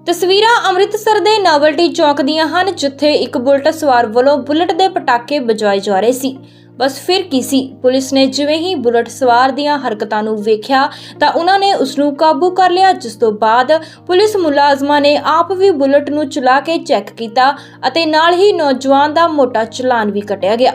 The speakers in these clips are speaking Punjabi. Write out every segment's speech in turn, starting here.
ਤਸਵੀਰਾਂ ਅੰਮ੍ਰਿਤਸਰ ਦੇ ਨਾਵਲਟੀ ਚੌਕ ਦੀਆਂ ਹਨ, ਜਿੱਥੇ ਇੱਕ ਬੁਲਟ ਸਵਾਰ ਵੱਲੋਂ ਬੁਲਟ ਦੇ ਪਟਾਕੇ ਵਜਾਏ ਜਾ ਰਹੇ ਸੀ। ਬਸ ਫਿਰ ਕੀ ਸੀ, ਪੁਲਿਸ ਨੇ ਜਿਵੇਂ ਹੀ ਬੁਲਟ ਸਵਾਰ ਦੀਆਂ ਹਰਕਤਾਂ ਨੂੰ ਵੇਖਿਆ ਤਾਂ ਉਹਨਾਂ ਨੇ ਉਸ ਨੂੰ ਕਾਬੂ ਕਰ ਲਿਆ, ਜਿਸ ਤੋਂ ਬਾਅਦ ਪੁਲਿਸ ਮੁਲਾਜ਼ਮਾਂ ਨੇ ਆਪ ਵੀ ਬੁਲਟ ਨੂੰ ਚਲਾ ਕੇ ਚੈੱਕ ਕੀਤਾ ਅਤੇ ਨਾਲ ਹੀ ਨੌਜਵਾਨ ਦਾ ਮੋਟਾ ਚਲਾਨ ਵੀ ਕੱਟਿਆ ਗਿਆ।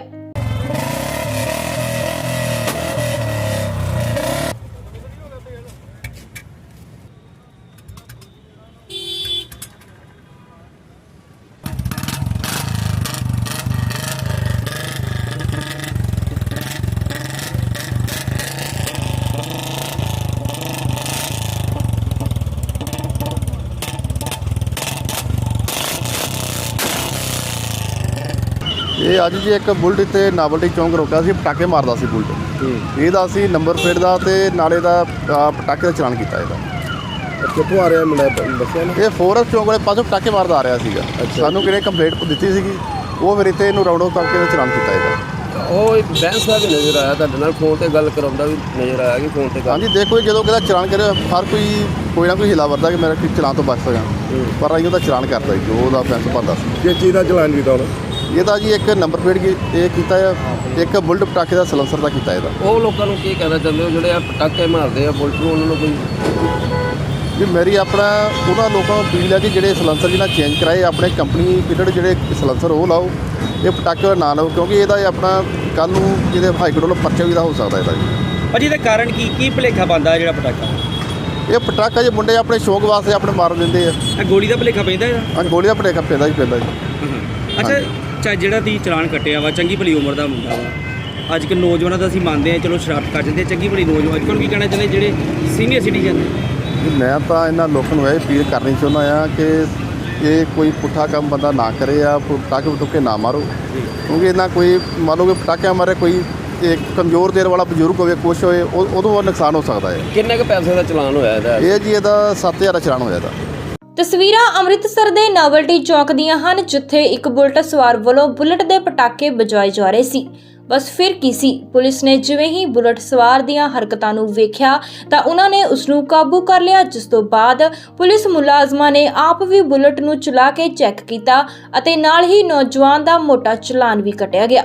ਇਹ ਅੱਜ ਜੀ ਇੱਕ ਬੁਲਟ ਤੇ ਨਾਵਲਟੀ ਚੌਂਕ ਰੋਕਿਆ ਸੀ, ਪਟਾਕੇ ਮਾਰਦਾ ਸੀ ਬੁਲਟ। ਇਹਦਾ ਅਸੀਂ ਨੰਬਰ ਪਲੇਟ ਦਾ ਤੇ ਨਾਲੇ ਦਾ ਪਟਾਕੇ ਦਾ ਚਲਾਨ ਕੀਤਾ। ਇਹਦਾ ਕਿੱਥੋਂ ਆ ਰਿਹਾ ਮੁੰਡਾ ਦੱਸਿਆ ਨਾ? ਇਹ ਫੋਰਸ ਚੌਂਕ ਵਾਲੇ ਪਾਸੋਂ ਪਟਾਕੇ ਮਾਰਦਾ ਆ ਰਿਹਾ ਸੀਗਾ। ਸਾਨੂੰ ਕਿਹਨੇ ਕੰਪਲੇਂਟ ਦਿੱਤੀ ਸੀਗੀ, ਉਹ ਫਿਰ ਇੱਥੇ ਇਹਨੂੰ ਰਾਉਂਡ ਅਪ ਕਰਕੇ ਚਲਾਨ ਕੀਤਾ ਇਹਦਾ। ਉਹ ਇੱਕ ਬੈਂਸ ਦਾ ਵੀ ਨਜ਼ਰ ਆਇਆ ਤੁਹਾਡੇ ਨਾਲ, ਫੋਨ ਤੇ ਗੱਲ ਕਰਾਉਂਦਾ ਵੀ ਨਜ਼ਰ ਆਇਆ ਕਿ ਫੋਨ ਤੇ ਗੱਲ। ਹਾਂਜੀ, ਦੇਖੋ ਜਦੋਂ ਕਿਹਦਾ ਚਲਾਨ ਕਰੇ ਹਰ ਕੋਈ ਨਾ ਕੋਈ ਹਿਲਾ ਵਰਦਾ ਕਿ ਮੇਰਾ ਚਲਾਨ ਤੋਂ ਬਚ ਸਕਾਂ, ਪਰ ਅਸੀਂ ਉਹਦਾ ਚਲਾਨ ਕਰਦਾ ਜੀ, ਜੋ ਉਹਦਾ ਫੈਂਸ ਭਰਦਾ ਸੀ। ਕਿਸ ਚੀਜ਼ ਦਾ ਚਲਾਨ ਕੀਤਾ ਉਹਨੇ? ਇਹਦਾ ਜੀ ਇੱਕ ਨੰਬਰ ਪਲੇਟ ਇਹ ਕੀਤਾ ਆ, ਇੱਕ ਬੁਲਟ ਪਟਾਕੇ ਦਾ ਸਲੈਂਸਰ ਦਾ ਕੀਤਾ ਇਹਦਾ। ਉਹ ਲੋਕਾਂ ਨੂੰ ਕੀ ਕਹਿਣਾ ਚਾਹੁੰਦੇ ਹੋ ਜਿਹੜੇ ਆ ਪਟਾਕੇ ਮਾਰਦੇ ਆ ਬੁਲਟ ਨੂੰ, ਉਹਨਾਂ ਨੂੰ ਕੋਈ ਵੀ ਮੇਰੀ ਆਪਣਾ ਉਹਨਾਂ ਲੋਕਾਂ ਨੂੰ ਅਪੀਲ ਹੈ ਕਿ ਜਿਹੜੇ ਸਲੈਂਸਰ ਜਿਹਨਾਂ ਚੇਂਜ ਕਰਾਏ ਆਪਣੇ ਕੰਪਨੀ ਪੀਰੀਅਡ ਜਿਹੜੇ ਸਲੈਂਸਰ ਉਹ ਲਾਓ, ਇਹ ਪਟਾਕੇ ਨਾ ਲਾਓ, ਕਿਉਂਕਿ ਇਹਦਾ ਆਪਣਾ ਕੱਲ੍ਹ ਨੂੰ ਜਿਹਦੇ ਹਾਈ ਕੋਰਟ ਵੱਲੋਂ ਪਰਚਾ ਵੀ ਦਾ ਹੋ ਸਕਦਾ ਇਹਦਾ ਜੀ। ਭਾਜੀ ਇਹਦਾ ਕਾਰਨ ਕੀ ਭੁਲੇਖਾ ਪਾਉਂਦਾ ਜਿਹੜਾ ਪਟਾਕਾ? ਇਹ ਪਟਾਕਾ ਜੇ ਮੁੰਡੇ ਆਪਣੇ ਸ਼ੌਕ ਵਾਸਤੇ ਆਪਣੇ ਮਾਰ ਦਿੰਦੇ ਆ। ਇਹ ਗੋਲੀ ਦਾ ਭੁਲੇਖਾ ਪੈਂਦਾ ਇਹਦਾ? ਹਾਂਜੀ, ਗੋਲੀ ਦਾ ਭੁਲੇਖਾ ਪੈਂਦਾ ਜੀ। ਅੱਛਾ, ਜਿਹੜਾ ਤੁਸੀਂ ਚਲਾਨ ਕੱਟਿਆ ਵਾ, ਚੰਗੀ ਭਲੀ ਉਮਰ ਦਾ ਮੁੰਡਾ ਵਾ, ਅੱਜ ਕੱਲ੍ਹ ਨੌਜਵਾਨਾਂ ਦਾ ਅਸੀਂ ਮੰਨਦੇ ਹਾਂ, ਚਲੋ ਸ਼ਰਾਰਤ ਕਰ ਜਾਂਦੇ, ਚੰਗੀ ਭਲੀ ਨੌਜਵਾਨ ਅੱਜ ਕੱਲ੍ਹ ਕੀ ਕਹਿਣਾ ਚਾਹੁੰਦੇ ਜਿਹੜੇ ਸੀਨੀਅਰ ਸਿਟੀਜ਼ਨ? ਮੈਂ ਤਾਂ ਇਹਨਾਂ ਲੋਕਾਂ ਨੂੰ ਇਹ ਅਪੀਲ ਕਰਨੀ ਚਾਹੁੰਦਾ ਆ ਕਿ ਇਹ ਕੋਈ ਪੁੱਠਾ ਕੰਮ ਬੰਦਾ ਨਾ ਕਰੇ ਆ, ਪਟਾਕੇ ਪਟੂਕੇ ਨਾ ਮਾਰੋ, ਕਿਉਂਕਿ ਇਹਨਾਂ ਕੋਈ ਮੰਨ ਲਓ ਕਿ ਪਟਾਕਿਆਂ ਮਾਰੇ ਕੋਈ ਇੱਕ ਕਮਜ਼ੋਰ ਦੇਰ ਵਾਲਾ ਬਜ਼ੁਰਗ ਹੋਵੇ, ਕੁਛ ਹੋਏ, ਉਦੋਂ ਨੁਕਸਾਨ ਹੋ ਸਕਦਾ ਹੈ। ਕਿੰਨੇ ਕੁ ਪੈਸੇ ਦਾ ਚਲਾਨ ਹੋਇਆ ਇਹਦਾ? ਇਹ ਜੀ ਇਹਦਾ 7000 ਦਾ ਚਲਾਨ ਹੋਇਆ ਇਹਦਾ। ਤਸਵੀਰਾਂ ਅੰਮ੍ਰਿਤਸਰ ਦੇ ਨਾਵਲਟੀ ਚੌਕ ਦੀਆਂ ਹਨ, ਜਿੱਥੇ ਇੱਕ ਬੁਲਟ ਸਵਾਰ ਵੱਲੋਂ ਬੁਲਟ ਦੇ ਪਟਾਕੇ ਵਜਾਏ ਜਾ ਰਹੇ ਸੀ। ਬਸ ਫਿਰ ਕੀ ਸੀ, ਪੁਲਿਸ ਨੇ ਜਿਵੇਂ ਹੀ ਬੁਲਟ ਸਵਾਰ ਦੀਆਂ ਹਰਕਤਾਂ ਨੂੰ ਵੇਖਿਆ ਤਾਂ ਉਹਨਾਂ ਨੇ ਉਸ ਨੂੰ ਕਾਬੂ ਕਰ ਲਿਆ, ਜਿਸ ਤੋਂ ਬਾਅਦ ਪੁਲਿਸ ਮੁਲਾਜ਼ਮਾਂ ਨੇ ਆਪ ਵੀ ਬੁਲਟ ਨੂੰ ਚਲਾ ਕੇ ਚੈੱਕ ਕੀਤਾ ਅਤੇ ਨਾਲ ਹੀ ਨੌਜਵਾਨ ਦਾ ਮੋਟਾ ਚਲਾਨ ਵੀ ਕੱਟਿਆ ਗਿਆ।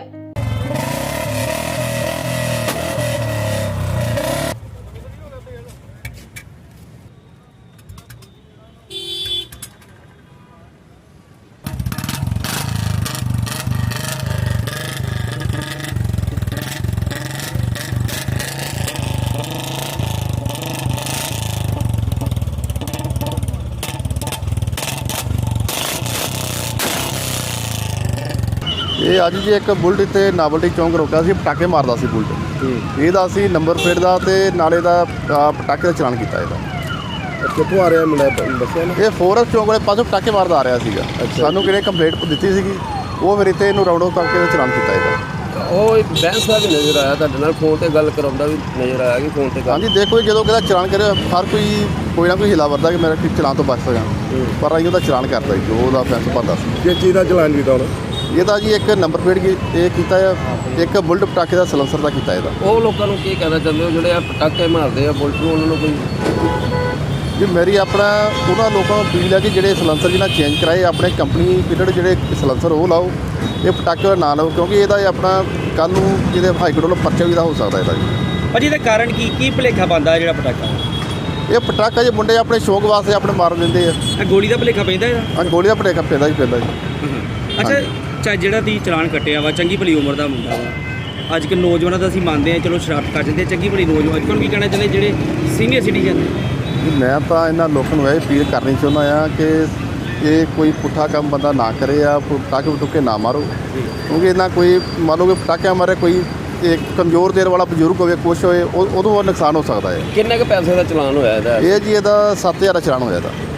ਇਹ ਅੱਜ ਜੀ ਇੱਕ ਬੁਲਟ ਤੇ ਨਾਵਲਟੀ ਚੌਂਕ ਰੋਕਿਆ ਸੀ, ਪਟਾਕੇ ਮਾਰਦਾ ਸੀ ਬੁਲਟ। ਇਹਦਾ ਅਸੀਂ ਨੰਬਰ ਪਲੇਟ ਦਾ ਤੇ ਨਾਲੇ ਦਾ ਪਟਾਕੇ ਦਾ ਚਲਾਨ ਕੀਤਾ ਇਹਦਾ। ਕਿੱਥੋਂ ਆ ਰਿਹਾ ਮੁੰਡਾ ਦੱਸਿਆ ਨਾ? ਇਹ ਫੋਰਸ ਚੌਂਕ ਵਾਲੇ ਪਾਸੋਂ ਪਟਾਕੇ ਮਾਰਦਾ ਆ ਰਿਹਾ ਸੀਗਾ। ਸਾਨੂੰ ਕਿਹਨੇ ਕੰਪਲੇਂਟ ਦਿੱਤੀ ਸੀਗੀ, ਉਹ ਫਿਰ ਇੱਥੇ ਇਹਨੂੰ ਰਾਉਂਡ ਅਪ ਕਰਕੇ ਚਲਾਨ ਕੀਤਾ ਇਹਦਾ। ਉਹ ਇੱਕ ਬੈਂਸ ਦਾ ਵੀ ਨਜ਼ਰ ਆਇਆ ਤੁਹਾਡੇ ਨਾਲ, ਫੋਨ ਤੇ ਗੱਲ ਕਰਾਉਂਦਾ ਵੀ ਨਜ਼ਰ ਆਇਆ ਕਿ ਫੋਨ ਤੇ ਗੱਲ। ਹਾਂਜੀ, ਦੇਖੋ ਜਦੋਂ ਕਿਹਦਾ ਚਲਾਨ ਕਰੇ ਹਰ ਕੋਈ ਨਾ ਕੋਈ ਹਿਲਾ ਵਰਦਾ ਕਿ ਮੇਰਾ ਚਲਾਨ ਤੋਂ ਬਚ ਸਕਾਂ, ਪਰ ਅਸੀਂ ਉਹਦਾ ਚਲਾਨ ਕਰਦਾ ਜੀ, ਜੋ ਉਹਦਾ ਫੈਂਸ ਭਰਦਾ ਸੀ। ਕਿਸ ਚੀਜ਼ ਦਾ ਚਲਾਨ ਕੀਤਾ ਉਹਨੇ? ਇਹਦਾ ਜੀ ਇੱਕ ਨੰਬਰ ਪਲੇਟ ਇਹ ਕੀਤਾ ਆ, ਇੱਕ ਬੁਲਟ ਪਟਾਕੇ ਦਾ ਸਲੈਂਸਰ ਦਾ ਕੀਤਾ ਇਹਦਾ। ਉਹ ਲੋਕਾਂ ਨੂੰ ਕੀ ਕਹਿਣਾ ਚਾਹੁੰਦੇ ਹੋ ਜਿਹੜੇ ਆ ਪਟਾਕੇ ਮਾਰਦੇ ਆ ਬੁਲਟ ਨੂੰ, ਉਹਨਾਂ ਨੂੰ ਕੋਈ ਵੀ ਮੇਰੀ ਆਪਣਾ ਉਹਨਾਂ ਲੋਕਾਂ ਨੂੰ ਅਪੀਲ ਹੈ ਕਿ ਜਿਹੜੇ ਸਲੈਂਸਰ ਜਿਹਨਾਂ ਚੇਂਜ ਕਰਾਏ ਆਪਣੇ ਕੰਪਨੀ ਪੀਰੀਅਡ ਜਿਹੜੇ ਸਲੈਂਸਰ ਉਹ ਲਾਓ, ਇਹ ਪਟਾਕੇ ਨਾ ਲਾਓ, ਕਿਉਂਕਿ ਇਹਦਾ ਆਪਣਾ ਕੱਲ੍ਹ ਨੂੰ ਜਿਹਦੇ ਹਾਈ ਕੋਰਟ ਵੱਲੋਂ ਪਰਚਾ ਵੀ ਦਾ ਹੋ ਸਕਦਾ ਇਹਦਾ ਜੀ। ਭਾਜੀ ਇਹਦਾ ਕਾਰਨ ਕੀ ਭੁਲੇਖਾ ਪਾਉਂਦਾ ਜਿਹੜਾ ਪਟਾਕਾ? ਇਹ ਪਟਾਕਾ ਜੇ ਮੁੰਡੇ ਆਪਣੇ ਸ਼ੌਕ ਵਾਸਤੇ ਆਪਣੇ ਮਾਰ ਦਿੰਦੇ ਆ। ਇਹ ਗੋਲੀ ਦਾ ਭੁਲੇਖਾ ਪੈਂਦਾ ਇਹਦਾ? ਹਾਂਜੀ, ਗੋਲੀ ਦਾ ਭੁਲੇਖਾ ਪੈਂਦਾ ਜੀ। ਅੱਛਾ, ਜਿਹੜਾ ਤੁਸੀਂ ਚਲਾਨ ਕੱਟਿਆ ਵਾ, ਚੰਗੀ ਭਲੀ ਉਮਰ ਦਾ ਮੁੰਡਾ ਵਾ, ਅੱਜ ਕੱਲ੍ਹ ਨੌਜਵਾਨਾਂ ਦਾ ਅਸੀਂ ਮੰਨਦੇ ਹਾਂ, ਚਲੋ ਸ਼ਰਾਰਤ ਕਰ ਜਾਂਦੇ, ਚੰਗੀ ਭਲੀ ਨੌਜਵਾਨ ਅੱਜ ਕੱਲ੍ਹ ਕੀ ਕਹਿਣਾ ਚਾਹੁੰਦੇ ਜਿਹੜੇ ਸੀਨੀਅਰ ਸਿਟੀਜ਼ਨ? ਮੈਂ ਤਾਂ ਇਹਨਾਂ ਲੋਕਾਂ ਨੂੰ ਇਹ ਅਪੀਲ ਕਰਨੀ ਚਾਹੁੰਦਾ ਆ ਕਿ ਇਹ ਕੋਈ ਪੁੱਠਾ ਕੰਮ ਬੰਦਾ ਨਾ ਕਰੇ ਆ, ਪਟਾਕੇ ਪਟੂਕੇ ਨਾ ਮਾਰੋ, ਕਿਉਂਕਿ ਇਹਨਾਂ ਕੋਈ ਮੰਨ ਲਓ ਕਿ ਪਟਾਕਿਆਂ ਮਾਰੇ ਕੋਈ ਇੱਕ ਕਮਜ਼ੋਰ ਦੇਰ ਵਾਲਾ ਬਜ਼ੁਰਗ ਹੋਵੇ, ਕੁਛ ਹੋਏ, ਉਦੋਂ ਨੁਕਸਾਨ ਹੋ ਸਕਦਾ ਹੈ। ਕਿੰਨੇ ਕੁ ਪੈਸੇ ਦਾ ਚਲਾਨ ਹੋਇਆ ਇਹਦਾ? ਇਹ ਜੀ ਇਹਦਾ 7000 ਦਾ ਚਲਾਨ ਹੋਇਆ ਇਹਦਾ।